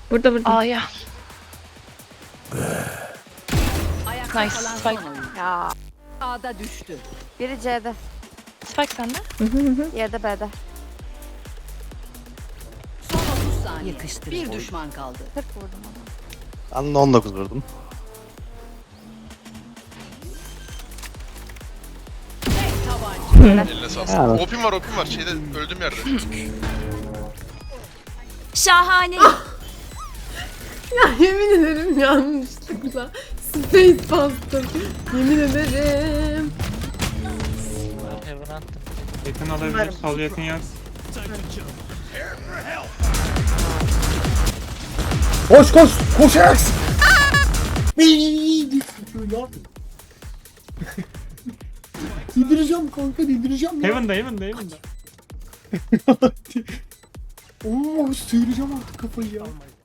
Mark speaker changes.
Speaker 1: Burada burada.
Speaker 2: A'ya.
Speaker 3: Ayakta
Speaker 2: Nice,
Speaker 3: kalan
Speaker 2: spike.
Speaker 3: son oyun.
Speaker 4: Ya
Speaker 3: A'da düştü.
Speaker 4: biri C'de,
Speaker 2: Spike sende.
Speaker 4: diğeri de B'de.
Speaker 3: Son 30 saniye. Bir düşman kaldı.
Speaker 4: 40 vurdum ona.
Speaker 5: Ben de 19 vurdum.
Speaker 3: Tek tabanca.
Speaker 6: Eline sağlık.
Speaker 5: Ya.
Speaker 6: Opim var şeyde öldüğüm yerde.
Speaker 7: Şahane.
Speaker 8: Ya yemin ederim yanlışlıkla space bastım. Yemin ederim.
Speaker 9: Yakın alabilir. Sol yakın yaz.
Speaker 10: Koş koş koşacaksın. Yedireceğim kanka yedireceğim ya.
Speaker 9: Heaven'da.
Speaker 10: Oo sıyıracağım artık kafayı ya.